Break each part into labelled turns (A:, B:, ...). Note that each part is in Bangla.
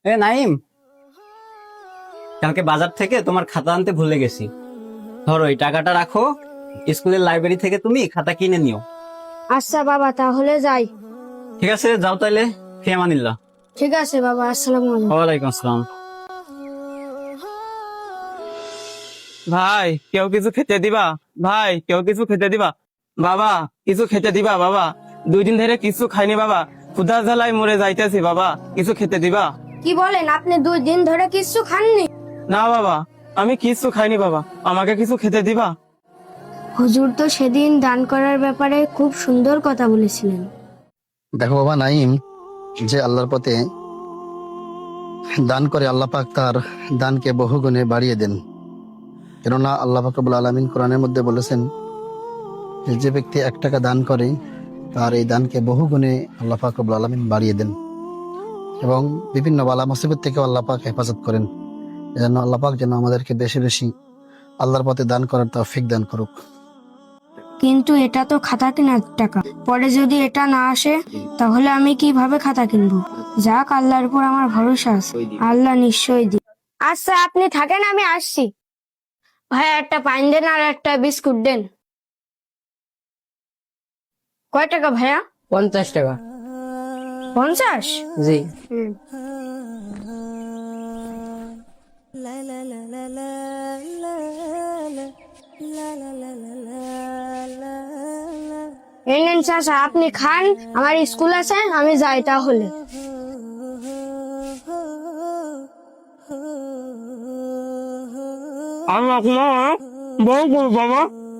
A: নাইম, কালকে বাজার থেকে তোমার খাতা আনতে ভুলে গেছি। ধরো এই টাকাটা রাখো, স্কুলের লাইব্রেরি থেকে তুমি খাতা কিনে নিও।
B: আচ্ছা বাবা, তাহলে যাই।
A: ঠিক আছে, যাও তাইলে। ফি আমানিল্লাহ।
B: ঠিক আছে বাবা, আসসালামু আলাইকুম।
A: ওয়ালাইকুম আসসালাম।
C: ভাই কেউ কিছু খেতে দিবা? ভাই কেউ কিছু খেতে দিবা? বাবা কিছু খেতে দিবা? বাবা 2 দিন ধরে কিছু খাইনি বাবা, ক্ষুধা জ্বালায় মরে যাইতেছি বাবা, কিছু খেতে দিবা?
B: কি বলেন, আপনি 2 দিন ধরে কিছু খাননি?
C: না বাবা, আমি কিছু খাইনি বাবা, আমাকে কিছু খেতে দিবা?
B: হুজুর তো সেদিন দান করার ব্যাপারে খুব সুন্দর কথা বলেছিলেন।
D: দেখো বাবা নাইম, যে আল্লাহর পথে দান করে আল্লাহ পাক তার দানকে বহুগুণে বাড়িয়ে দেন। কেননা আল্লাহ পাক রব্বুল আলামিন কোরআনের মধ্যে বলেছেন যে ব্যক্তি 1 টাকা দান করে তার এই দানকে বহুগুণে আল্লাহ পাক রব্বুল আলামিন বাড়িয়ে দেন এবং বিভিন্ন বালা মুসিবত থেকে আল্লাহ পাক হেফাজত করেন। এজন্য আল্লাহ পাক যেন আমাদেরকে বেশি বেশি আল্লাহর পথে দান করার তৌফিক দান করুক।
B: কিন্তু এটা তো খাতা কেনার টাকা, পরে যদি এটা না আসে তাহলে আমি কিভাবে খাতা কিনবো? যাক, আল্লাহর উপর আমার ভরসা আছে, আল্লাহ নিশ্চয়ই দিবে। আচ্ছা আপনি থাকেন, আমি আসছি। ভাই একটা পাইন দেন আর একটা বিস্কুট দেন। কয় টাকা ভাইয়া?
E: 50 টাকা।
B: 50?
E: জি।
B: এই নেন চাচা, আপনি খান, আমার স্কুল আছে, আমি যাই তাহলে।
C: আমি আপনার বউ করবো বাবা।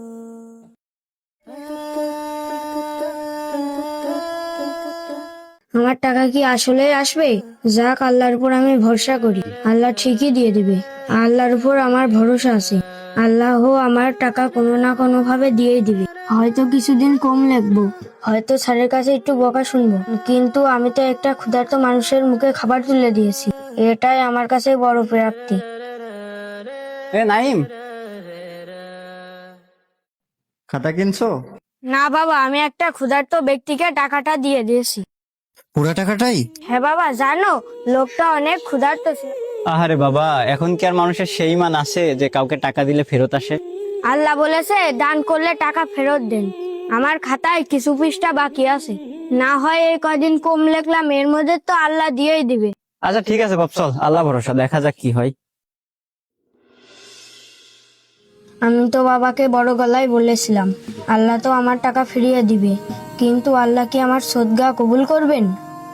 B: আমার টাকা কি আসলেই আসবে? যাক, আল্লাহর উপর আমি ভরসা করি, আল্লাহ ঠিকই দিয়ে দিবে। আল্লাহর উপর আমার ভরসা আছে, আল্লাহ আমার টাকা কোনো না কোনো ভাবে দিয়েই দিবে। হয়তো কিছুদিন কম লাগবো, হয়তো স্যারের কাছে একটু বকা শুনবো, কিন্তু আমি তো একটা ক্ষুধার্ত মানুষের মুখে খাবার তুলে দিয়েছি, এটাই আমার কাছে বড় প্রাপ্তি।
A: নাইম, খাতা কিনছো?
B: না বাবা, আমি একটা ক্ষুধার্ত ব্যক্তিকে টাকাটা দিয়ে দিয়েছি।
A: পুরা টাকাটাই?
B: হ্যাঁ বাবা, জানো লোকটা অনেক ক্ষুধার্ত ছিল।
A: আহারে বাবা, এখন কি আর মানুষের সেই মান আছে যে কাউকে টাকা দিলে ফেরত আসে?
B: আল্লাহ বলেছে দান করলে টাকা ফেরত দেন। আমার খাতায় কিছু পৃষ্ঠা বাকি আছে, না হয় এই কদিন কম লিখলাম, এর মধ্যে তো আল্লাহ দিয়েই দিবে।
A: আচ্ছা ঠিক আছে বাপ, চল, আল্লাহ ভরসা, দেখা যাক কি হয়।
B: আমি তো বাবাকে বড় গলায় বলেছিলাম আল্লাহ তো আমার টাকা ফিরিয়ে দিবে, কিন্তু আল্লাহ কি আমার সদকা কবুল করবেন?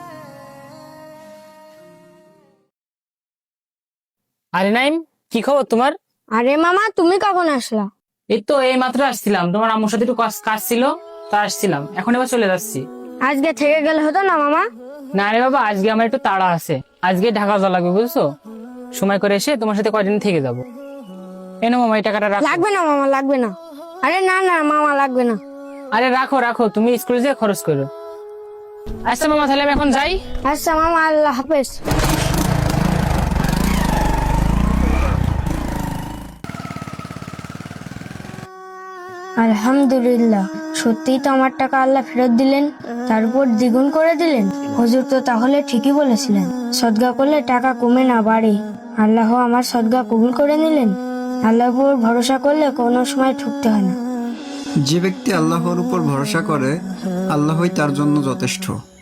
E: আরে নাইম, কি খবর তোমার?
B: আরে মামা, তুমি কখন আসলা?
E: এই তো এই মাত্র আসছিলাম, তোমার আম্মুর সাথে একটু কাজ ছিল, তা আসছিলাম, এখন এবার চলে যাচ্ছি।
B: আজকে থেকে গেলে হতো না মামা?
E: না রে বাবা, আজকে আমার একটু তাড়া আছে, আজকে ঢাকা যাওয়া লাগবে বুঝছো। সময় করে এসে তোমার সাথে কয়দিন থেকে যাবো। এনো মামা, এই টাকাটা রাখো।
B: লাগবে না মামা, লাগবে না। আরে না না মামা, লাগবে না।
E: আরে রাখো রাখো, তুমি স্কুলে যেয়ে খরচ করো। আচ্ছা মামা, তাহলে আমি এখন যাই।
B: আচ্ছা মামা, আল্লাহ হাফেজ। আলহামদুলিল্লাহ, সত্যিই তো আমার টাকা আল্লাহ ফেরত দিলেন, তারপর দ্বিগুণ করে দিলেন। হুজুর তো তাহলে ঠিকই বলেছিলেন, সদকা করলে টাকা কমে না বাড়ে। আল্লাহ আমার সদকা কবুল করে নিলেন। আল্লাহর উপর ভরসা করলে কোনো সময় ঠকতে হয় না।
F: যে ব্যক্তি আল্লাহর উপর ভরসা করে, আল্লাহই তার জন্য যথেষ্ট।